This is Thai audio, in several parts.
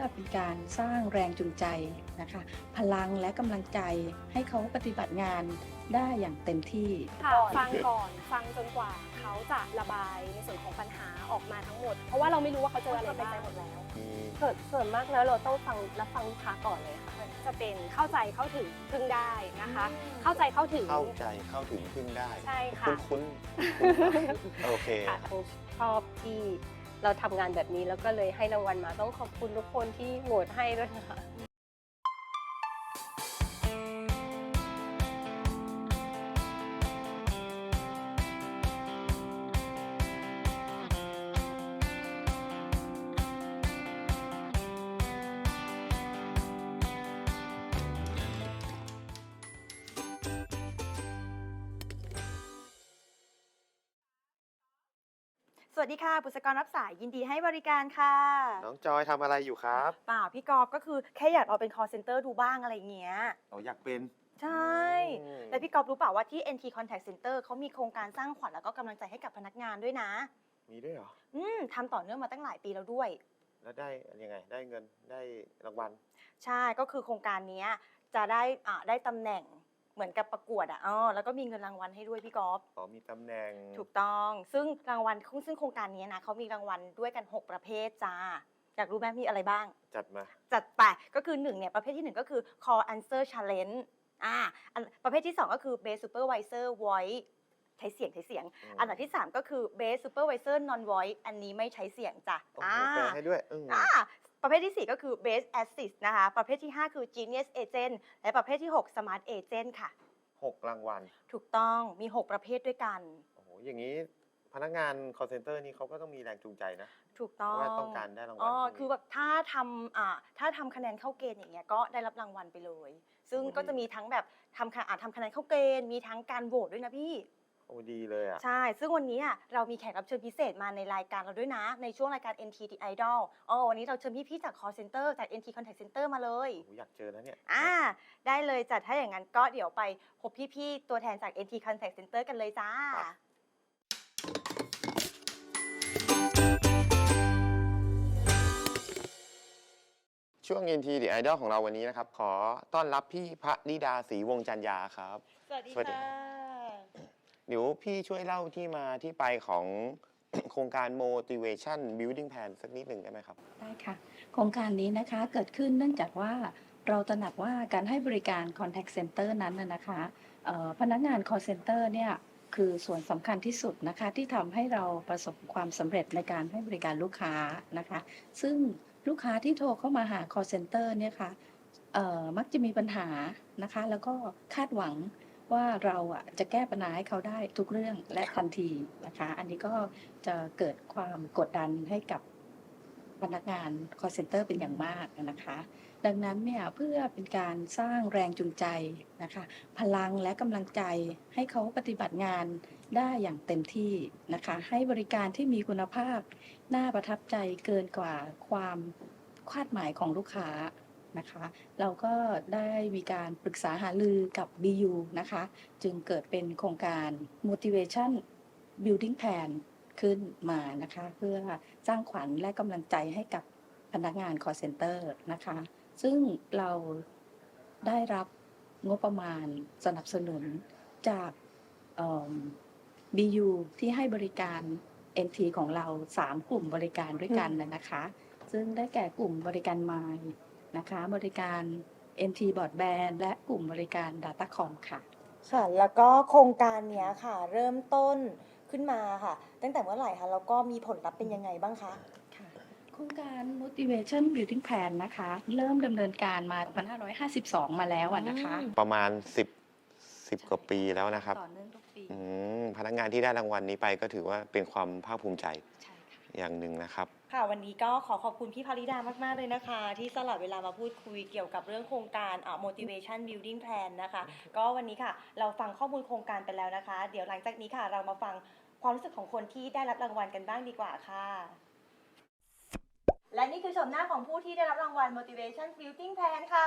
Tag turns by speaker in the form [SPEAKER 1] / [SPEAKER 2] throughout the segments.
[SPEAKER 1] เป็นการสร้างแรงจูงใจนะคะพลังและกำลังใจให้เขาปฏิบัติงานได้อย่างเต็มที่
[SPEAKER 2] ค่ะฟังก่อนฟังจนกว่าเขาจะระบายในส่วนของปัญหาออกมาทั้งหมด เพราะว่าเราไม่รู้ว่าเขาเจออะไรบ้างหมดแล้ว
[SPEAKER 3] ส่วนมากแล้วเราต้องฟังรับฟังลูกค้าก่อนเลยค่ะ
[SPEAKER 2] จะเป็นเข้าใจเข้าถึงพึ่งได้นะคะ เข้าใจเข้าถึง
[SPEAKER 4] พึ่งได้
[SPEAKER 2] ใช่ค่ะ
[SPEAKER 4] คุ้นโอเค
[SPEAKER 3] ชอบที่เราทำงานแบบนี้แล้วก็เลยให้รางวัลมาต้องขอบคุณทุกคนที่โหวตให้ด้วยนะคะ
[SPEAKER 5] สวัสดีค่ะบุษกรรับสายยินดีให้บริการค่ะ
[SPEAKER 4] น้องจอยทำอะไรอยู่ครับ
[SPEAKER 5] เปล่าพี่กอล์ฟก็คือแค่อยากเอาเป็น call center ดูบ้างอะไรเงี้ย
[SPEAKER 4] อยากเป็น
[SPEAKER 5] ใช่แล้วพี่กอล์ฟรู้เปล่าว่าที่ NT Contact Center เขามีโครงการสร้างขวัญแล้วก็กำลังใจให้กับพนักงานด้วยนะ
[SPEAKER 4] มีด้วยเหรอ
[SPEAKER 5] ทำต่อเนื่องมาตั้งหลายปีแล้วด้วย
[SPEAKER 4] แล้วได้ยังไงได้เงินได้รางวัล
[SPEAKER 5] ใช่ก็คือโครงการนี้จะได้ตำแหน่งเหมือนกับประกวดแล้วก็มีเงินรางวัลให้ด้วยพี่กอล์ฟ
[SPEAKER 4] มีตำแหน่ง
[SPEAKER 5] ถูกต้องซึ่งรางวัลซึ่งโครงการนี้นะเขามีรางวัลด้วยกัน6ประเภทจ้าอยากรู้ไหมมีอะไรบ้างจัดไปก็คือ1เนี่ยประเภทที่1ก็คือ call answer challenge ประเภทที่2ก็คือ base supervisor voice ใช้เสียงอันดับที่3ก็คือ base supervisor non voice อันนี้ไม่ใช้เสียงจ้ะ
[SPEAKER 4] แปลให้ด้วย
[SPEAKER 5] ประเภทที่4ก็คือ base assist นะคะประเภทที่5คือ genius agent และประเภทที่6 smart agent ค่ะ
[SPEAKER 4] 6รางวัล
[SPEAKER 5] ถูกต้องมี6ประเภทด้วยกัน
[SPEAKER 4] อย่างนี้พนักงาน call center นี่เขาก็ต้องมีแรงจูงใจนะ
[SPEAKER 5] ถูกต้อง
[SPEAKER 4] ว่าต้องการได้รางวัล
[SPEAKER 5] คือแบบถ้าทำคะแนนเข้าเกณฑ์อย่างเงี้ยก็ได้รับรางวัลไปเลยซึ่งก็จะมีทั้งแบบทำคะแนนเข้าเกณฑ์มีทั้งการโหวตด้วยนะพี่
[SPEAKER 4] ดีเลย
[SPEAKER 5] ใช่ซึ่งวันนี้เรามีแขกรับเชิญพิเศษมาในรายการเราด้วยนะในช่วงรายการ NT The Idol วันนี้เราเชิญพี่ๆจาก call center จาก NT Contact Center มาเลย
[SPEAKER 4] อยากเจอนะเนี่ย
[SPEAKER 5] ได้เลยจัดถ้าอย่างนั้นก็เดี๋ยวไปพบพี่ๆตัวแทนจาก NT Contact Center กันเลยจ้า
[SPEAKER 4] ช่วง NT The Idol ของเราวันนี้นะครับขอต้อนรับพี่พระนิดาศรีวงจันยาครับ
[SPEAKER 5] สวัสดีค่ะ
[SPEAKER 4] เดี๋ยวพี่ช่วยเล่าที่มาที่ไปของโครงการ motivation building plan สักนิดหนึ่งได้ไหมครับ
[SPEAKER 1] ได้ค่ะโครงการนี้นะคะเกิดขึ้นเนื่องจากว่าเราตระหนักว่าการให้บริการ contact center นั้นนะคะพนักงาน call center เนี่ยคือส่วนสำคัญที่สุดนะคะที่ทำให้เราประสบความสำเร็จในการให้บริการลูกค้านะคะซึ่งลูกค้าที่โทรเข้ามาหา call center เนี่ยค่ะมักจะมีปัญหานะคะแล้วก็คาดหวังว่าเราจะแก้ปัญหาให้เขาได้ทุกเรื่องและทันทีนะคะอันนี้ก็จะเกิดความกดดันให้กับพนักงาน call center เป็นอย่างมากนะคะดังนั้นเนี่ยเพื่อเป็นการสร้างแรงจูงใจนะคะพลังและกำลังใจให้เขาปฏิบัติงานได้อย่างเต็มที่นะคะให้บริการที่มีคุณภาพน่าประทับใจเกินกว่าความคาดหมายของลูกค้านะคะเราก็ได้มีการปรึกษาหารือกับ BU นะคะจึงเกิดเป็นโครงการ motivation building plan ขึ้นมานะคะเพื่อสร้างขวัญและกำลังใจให้กับพนักงาน call center นะคะซึ่งเราได้รับงบประมาณสนับสนุนจากBU ที่ให้บริการ NT ของเรา3กลุ่มบริการด้วยกันนะคะซึ่งได้แก่กลุ่มบริการ Mind นะคะบริการ NT Broadband และกลุ่มบริการ Datacom ค่ะ
[SPEAKER 5] ค่ะแล้วก็โครงการนี้ค่ะเริ่มต้นขึ้นมาค่ะตั้งแต่เมื่อไหร่คะแล้วก็มีผลลัพธ์เป็นยังไงบ้างคะ
[SPEAKER 1] ค่ะโครงการ Motivation Building Plan นะคะเริ่มดำเนินการมา2552มาแล้วนะคะ
[SPEAKER 4] ประมาณ10กว่าปีแล้วนะครับ
[SPEAKER 1] ต่อเนื่องทุกปี
[SPEAKER 4] พนักงานที่ได้รางวัลนี้ไปก็ถือว่าเป็นความภาคภูมิใจอย่างหนึ่งนะครับ
[SPEAKER 5] ค่ะวันนี้ก็ขอบคุณพี่ภริดามากๆเลยนะคะที่สละเวลามาพูดคุยเกี่ยวกับเรื่องโครงการ motivation building plan นะคะก็วันนี้ค่ะเราฟังข้อมูลโครงการไปแล้วนะคะเดี๋ยวหลังจากนี้ค่ะเรามาฟังความรู้สึกของคนที่ได้รับรางวัลกันบ้างดีกว่าค่ะและนี่คือชมหน้าของผู้ที่ได้รับรางวัล motivation building plan ค่ะ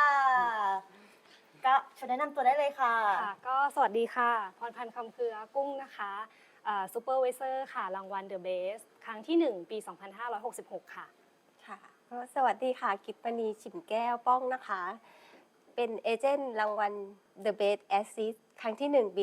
[SPEAKER 5] ก็เชิญแนะนำตัวได้เลยค่ะ
[SPEAKER 2] ก็สวัสดีค่ะพรพันธ์คำเครือกุ้งนะคะซูเปอร์ไวเซอร์ค่ะรางวัล The Best ครั้งที่1ปี2566ค่ะ
[SPEAKER 3] ก็สวัสดีค่ะ กิตปณีฉิมแก้วป้องนะคะ เป็นเอเจนต์รางวัล The Best Assist ครั้งที่1ปี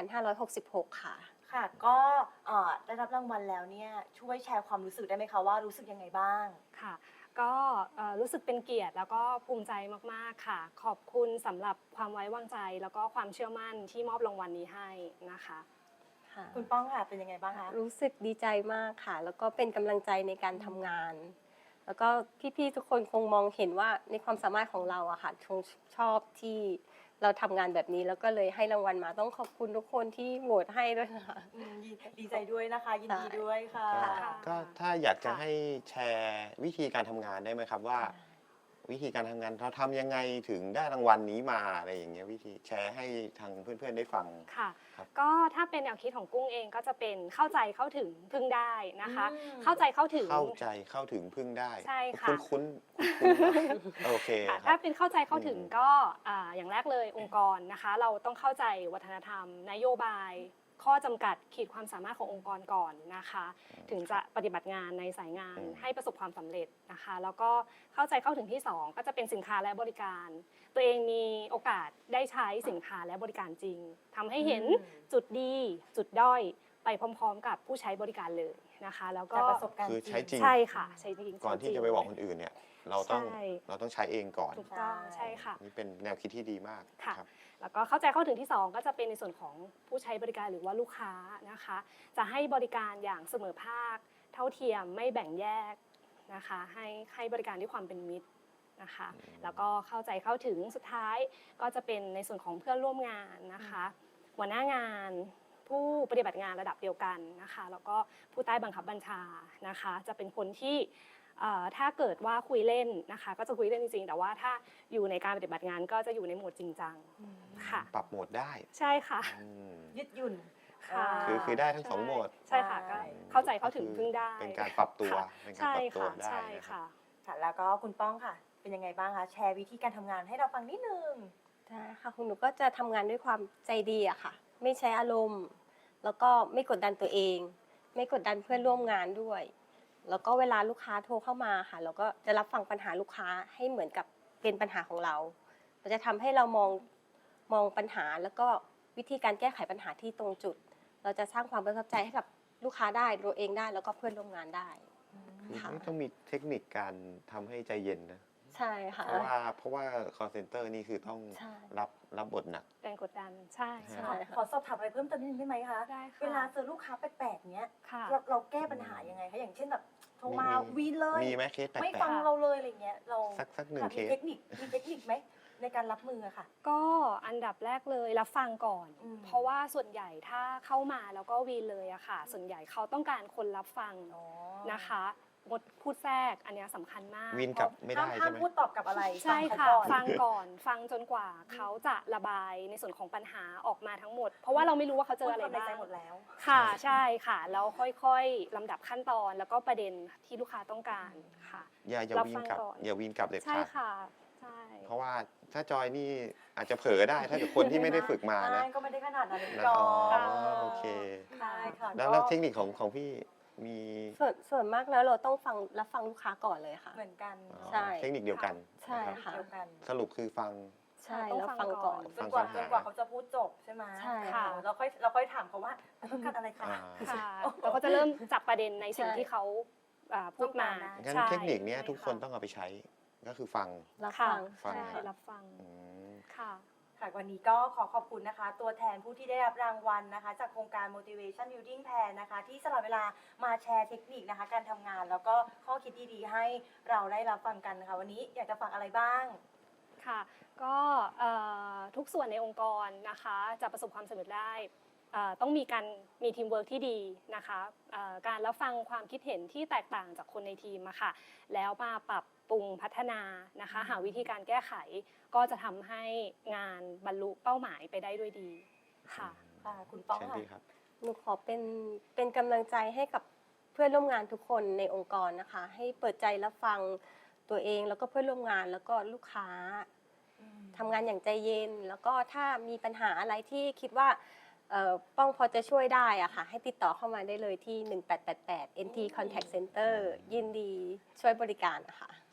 [SPEAKER 3] 2566 ค่ะ
[SPEAKER 5] ค่ะ ก็ได้รับรางวัลแล้วเนี่ยช่วยแชร์ความรู้สึกได้ไหมคะว่ารู้สึกยังไงบ้าง
[SPEAKER 2] ค่ะก็รู้สึกเป็นเกียรติแล้วก็ภูมิใจมากๆค่ะ ขอบคุณสำหรับความไว้วางใจแล้วก็ความเชื่อมั่นที่มอบรางวัลนี้ให้นะคะ
[SPEAKER 5] คุณป้องค่ะเป็นยังไงบ้างคะ
[SPEAKER 3] รู้สึกดีใจมากค่ะ แล้วก็เป็นกำลังใจในการทำงาน แล้วก็พี่ๆทุกคนคงมองเห็นว่าในความสามารถของเราอะค่ะคงชอบที่เราทำงานแบบนี้แล้วก็เลยให้รางวัลมาต้องขอบคุณทุกคนที่โหวตให้ด้วยนะคะ
[SPEAKER 5] ดีใจด้วยนะคะ ยินดีด้วยค่ะ
[SPEAKER 4] ก็ถ้าอยากจะให้แชร์วิธีการทำงานได้ไหมครับว่า วิธีการทำงานเราทำยังไงถึงได้รางวัลนี้มาอะไรอย่างเงี้ยวิธีแชร์ให้ทางเพื่อนๆได้ฟัง
[SPEAKER 2] ค่ะ
[SPEAKER 4] ครับ
[SPEAKER 2] ก็ถ้าเป็นแนวคิดของกุ้งเองก็จะเป็นเข้าใจเข้าถึงพึ่งได้นะคะ
[SPEAKER 5] อืม
[SPEAKER 2] เข้าใจเข้าถึง
[SPEAKER 4] เข้าใจเข้าถึงพึ่งได้
[SPEAKER 2] ใช่ค่ะ
[SPEAKER 4] คุ้นๆโอเค
[SPEAKER 2] ค่ะ
[SPEAKER 4] ค
[SPEAKER 2] ถ้า
[SPEAKER 4] รับ
[SPEAKER 2] เป็นเข้าใจเข้าถึง
[SPEAKER 4] อืม
[SPEAKER 2] ก็อย่างแรกเลยองค์กรนะคะ เราต้องเข้าใจวัฒนธรรม นโยบาย ข้อจำกัดขีดความสามารถขององค์กรก่อนนะคะ ถึงจะปฏิบัติงานในสายงานให้ประสบความสำเร็จนะคะ แล้วก็เข้าใจเข้าถึงที่ 2 ก็จะเป็นสินค้าและบริการ ตัวเองมีโอกาสได้ใช้สินค้าและบริการจริงทำให้เห็นจุดดีจุดด้อยไปพร้อมๆ กับผู้ใช้บริการเลยนะคะ แล้วก็
[SPEAKER 5] จากประสบการณ์
[SPEAKER 4] คือใช้จริง
[SPEAKER 2] ใช่ค่ะใช้จริง
[SPEAKER 4] ก่อนที่จะไปบอกคนอื่นเนี่ย เราต้อง
[SPEAKER 2] ใช่
[SPEAKER 4] ใช้เองก่อน
[SPEAKER 2] ถูกต้องใช่ค่ะ
[SPEAKER 4] นี่เป็นแนวคิดที่ดีมาก
[SPEAKER 2] ค่ะ
[SPEAKER 4] ครับ
[SPEAKER 2] แล้วก็เข้าใจเข้าถึงที่ 2 ก็จะเป็นในส่วนของผู้ใช้บริการหรือว่าลูกค้านะคะ จะให้บริการอย่างเสมอภาค เท่าเทียมไม่แบ่งแยกนะคะ ให้บริการด้วยความเป็นมิตรนะคะ แล้วก็เข้าใจเข้าถึงสุดท้ายก็จะเป็นในส่วนของเพื่อนร่วมงานนะคะ หัวหน้างานผู้ปฏิบัติงานระดับเดียวกันนะคะ แล้วก็ผู้ใต้บังคับบัญชานะคะ จะเป็นคนที่ถ้าเกิดว่าคุยเล่นนะคะ ก็จะคุยเล่นจริงๆ แต่ว่าถ้าอยู่ในการปฏิบัติงานก็จะอยู่ในโหมดจริงจังค่ะ
[SPEAKER 4] ปรับโหมดได้
[SPEAKER 2] ใช่ค่ะ
[SPEAKER 4] อืม
[SPEAKER 5] ยืดหยุ่น
[SPEAKER 2] ค่ะ
[SPEAKER 4] คือได้ทั้งสองโหมด
[SPEAKER 2] ใช่ค่ะก็เข้าใจเข้าถึงพึ่งได้
[SPEAKER 4] เป็นการปรับตัว
[SPEAKER 2] ค่ะ
[SPEAKER 4] เป็นการ
[SPEAKER 2] ใช่
[SPEAKER 4] ปรับตัว
[SPEAKER 2] ค่ะ
[SPEAKER 4] ได้
[SPEAKER 2] ใช่
[SPEAKER 4] นะครับ
[SPEAKER 2] ค่ะ
[SPEAKER 5] ค่ะ แล้วก็คุณป้องค่ะ เป็นยังไงบ้างคะ แชร์วิธีการทำงานให้เราฟังนิดนึง
[SPEAKER 3] ใช่ค่ะคุณหนูก็จะทำงานด้วยความใจดีอะค่ะ ไม่ใช้อารมณ์ แล้วก็ไม่กดดันตัวเอง ไม่กดดันเพื่อนร่วมงานด้วย แล้วก็เวลาลูกค้าโทรเข้ามาค่ะเราก็จะรับฟังปัญหาลูกค้าให้เหมือนกับเป็นปัญหาของเราเราจะทำให้เรามองปัญหาแล้วก็วิธีการแก้ไขปัญหาที่ตรงจุด เราจะสร้างความประทับใจให้กับลูกค้าได้ตัวเองได้แล้วก็เพื่อนร่วมงานได้ ค่ะ
[SPEAKER 4] นี่ต้องมีเทคนิคการทำให้ใจเย็นนะ
[SPEAKER 3] ใช่ค่ะ
[SPEAKER 4] เพราะว่า call center นี่คือต้อง
[SPEAKER 3] ใช่
[SPEAKER 4] รับบทหนัก
[SPEAKER 2] แรงกดดันใช่
[SPEAKER 3] ใช่
[SPEAKER 5] ขอสอบถามอะไรเพิ่มเติมนิดนึงได้ไหมคะ
[SPEAKER 2] ได้ค่ะ
[SPEAKER 5] เวลาเจอลูกค้าแปลกๆเนี้ย
[SPEAKER 2] ค่ะ
[SPEAKER 5] เราแก้ปัญหายังไงคะ อย่างเช่นแบบโทรมา
[SPEAKER 4] มี
[SPEAKER 5] วีนเลย
[SPEAKER 4] มีไหมเคสแปล
[SPEAKER 5] ไม่
[SPEAKER 4] ก
[SPEAKER 5] ฟังเราเลยอะไรเงี้ย เรา
[SPEAKER 4] สักหนึ่ง
[SPEAKER 5] ค่ะ
[SPEAKER 4] เค
[SPEAKER 5] มี
[SPEAKER 4] ส
[SPEAKER 5] เทคนิคไหมในการรับมืออะค่ะ
[SPEAKER 2] ก็อันดับแรกเลยรับฟังก่อน
[SPEAKER 5] อืม
[SPEAKER 2] เพราะว่าส่วนใหญ่ถ้าเข้ามาแล้วก็วีนเลยอะค่ะ ส่วนใหญ่เขาต้องการคนรับฟัง
[SPEAKER 5] อ๋อ
[SPEAKER 2] นะคะงดพูดแทรกอันเนี้ยสำคัญมาก
[SPEAKER 4] วินกลับไม่ได้
[SPEAKER 5] ห้า
[SPEAKER 4] ใช่
[SPEAKER 5] ม
[SPEAKER 4] ไหม
[SPEAKER 5] พูดตอบกับอะไร
[SPEAKER 2] ใช่ค่ะ
[SPEAKER 5] ฟั
[SPEAKER 2] ฟั
[SPEAKER 5] ง
[SPEAKER 2] ง
[SPEAKER 5] ก่อน
[SPEAKER 2] ก่อนฟังจนกว่าเขาจะระบายในส่วนของปัญหาออกมาทั้งหมด เพราะว่าเราไม่รู้ว่าเขาเจออะไร
[SPEAKER 5] พูดความใน
[SPEAKER 2] บ้า
[SPEAKER 5] ใจ
[SPEAKER 2] ง
[SPEAKER 5] หมดแล้ว
[SPEAKER 2] ค่ะใช่ค่ะแล้วค่อยๆลำดับขั้นตอนแล้วก็ประเด็นที่ลูกค้าต้องการค่ะ
[SPEAKER 4] อย่า
[SPEAKER 2] รับ
[SPEAKER 4] วี
[SPEAKER 2] ฟั
[SPEAKER 4] น
[SPEAKER 2] ง
[SPEAKER 4] กลับ
[SPEAKER 2] ก่อน
[SPEAKER 4] อย่าวีนกลับเด็ด
[SPEAKER 2] ใช่
[SPEAKER 4] ขาด
[SPEAKER 2] ค่ะใช่
[SPEAKER 4] เพราะว่าถ้าจอยนี่อาจจะเผลอได้ ถ้าเกิดคนที่ไม่ได้ฝึกมานะ
[SPEAKER 5] ใช่ก็ไม่ได้ขนาดนั้น
[SPEAKER 4] นะ
[SPEAKER 5] จอ
[SPEAKER 4] อ๋อโอเค
[SPEAKER 5] ใช่ค่ะ
[SPEAKER 4] แล้วเทคนิคของพี่มี
[SPEAKER 3] ส่วนมากแล้วเราต้องรับฟังลูกค้าก่อนเลยค่ะ
[SPEAKER 5] เหมือนกัน
[SPEAKER 4] อ๋อ
[SPEAKER 3] ใช่
[SPEAKER 4] เทคนิคเดียวกัน
[SPEAKER 3] ใช่
[SPEAKER 4] นะครับ
[SPEAKER 3] ค่ะ
[SPEAKER 5] เดียวกัน
[SPEAKER 4] สรุปคือฟัง
[SPEAKER 3] ใช่
[SPEAKER 2] ต้อง
[SPEAKER 3] แล้ว
[SPEAKER 2] ฟั
[SPEAKER 3] ฟั
[SPEAKER 2] ง
[SPEAKER 3] ง
[SPEAKER 2] ก่
[SPEAKER 3] ก่
[SPEAKER 2] อ
[SPEAKER 3] อน น
[SPEAKER 5] จนกว่า
[SPEAKER 4] ฟังปัญหา
[SPEAKER 5] เขาจะพูดจบใช่ไหม
[SPEAKER 3] ใช่
[SPEAKER 2] ค่ะ
[SPEAKER 5] เราค่อยถามเขาว่าต้องการอะไรคะ
[SPEAKER 4] อ่า
[SPEAKER 2] ค่ะเราก็จะเริ่มจับประเด็นในสิ่ง
[SPEAKER 3] ใช่
[SPEAKER 2] ที่เขาพูดมา
[SPEAKER 5] ต้องการได้
[SPEAKER 4] งั้น
[SPEAKER 2] ใช่
[SPEAKER 4] เทคนิคเนี้ย
[SPEAKER 2] ใช่
[SPEAKER 4] ทุกคน
[SPEAKER 2] ค่ะ
[SPEAKER 4] ต้องเอาไปใช้ ก็คือฟัง
[SPEAKER 3] รับ
[SPEAKER 2] ค่ะ
[SPEAKER 3] ฟัง
[SPEAKER 4] ฟัง
[SPEAKER 2] ใช่
[SPEAKER 4] ครับ
[SPEAKER 2] รับฟัง
[SPEAKER 4] อืม
[SPEAKER 2] ค่ะ
[SPEAKER 5] ค่ะวันนี้ก็ขอขอบคุณนะคะ ตัวแทนผู้ที่ได้รับรางวัลนะคะ จากโครงการ motivation building plan นะคะ ที่สละเวลามาแชร์เทคนิคนะคะ การทำงานแล้วก็ข้อคิดดีๆ ให้เราได้รับฟังกันนะคะ วันนี้อยากจะฟังอะไรบ้าง
[SPEAKER 2] ค่ะก็ทุกส่วนในองค์กรนะคะจะประสบความสำเร็จได้ต้องมีทีมเวิร์กที่ดีนะคะการรับฟังความคิดเห็นที่แตกต่างจากคนในทีมอะค่ะแล้วมาปรับปรุงพัฒนานะคะหาวิธีการแก้ไขก็จะทำให้งานบรรลุเป้าหมายไปได้ด้วยดีค่ะ
[SPEAKER 5] ค่ะคุณป้อง
[SPEAKER 4] เชิญ
[SPEAKER 5] ค่ะ
[SPEAKER 4] พี่ครับ
[SPEAKER 3] หนูขอเป็นกำลังใจให้กับเพื่อนร่วมงานทุกคนในองค์กรนะคะ ให้เปิดใจรับฟังตัวเองแล้วก็เพื่อนร่วมงานแล้วก็ลูกค้าทำงานอย่างใจเย็น แล้วก็ถ้ามีปัญหาอะไรที่คิดว่าป้องพอจะช่วยได้อะค่ะ ให้ติดต่อเข้ามาได้เลยที่ 1888 NT Contact Center ยินดีช่วยบริการนะคะ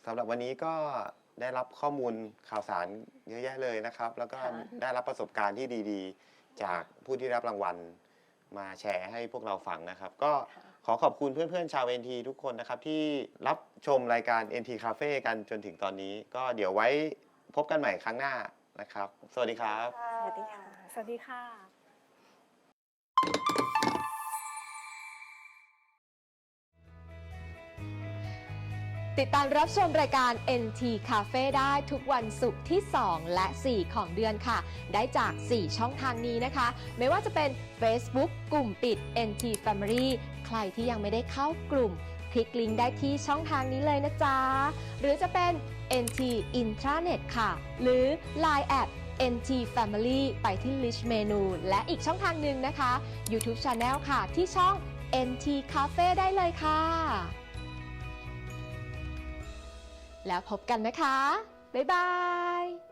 [SPEAKER 4] สำหรับวันนี้ก็ได้รับข้อมูลข่าวสารเยอะแยะเลยนะครับ แล้วก็
[SPEAKER 3] ค่ะ
[SPEAKER 4] ได้รับประสบการณ์ที่ดีๆ จากผู้ที่รับรางวัลมาแชร์ให้พวกเราฟังนะครับ ก็ขอขอบคุณเพื่อนๆชาว NT ทุกคนนะครับ ที่รับชมรายการ NT Cafe กันจนถึงตอนนี้ ก็เดี๋ยวไว้พบกันใหม่ครั้งหน้านะครับ สวัสดีครับ
[SPEAKER 3] สวัสดีค่ะ
[SPEAKER 2] สวัสดีค่ะ
[SPEAKER 6] ติดตามรับชมรายการ NT Cafe ได้ทุกวันศุกร์ที่ 2 และ 4 ของเดือนค่ะ ได้จาก 4 ช่องทางนี้นะคะ ไม่ว่าจะเป็น Facebook กลุ่มปิด NT Family ใครที่ยังไม่ได้เข้ากลุ่ม คลิกลิงก์ได้ที่ช่องทางนี้เลยนะจ๊ะ หรือจะเป็น NT Intranet ค่ะ หรือ Line at NT Family ไปที่ List Menu และอีกช่องทางหนึ่งนะคะ YouTube Channel ค่ะ ที่ช่อง NT Cafe ได้เลยค่ะ แล้วพบกันนะคะ บ๊ายบาย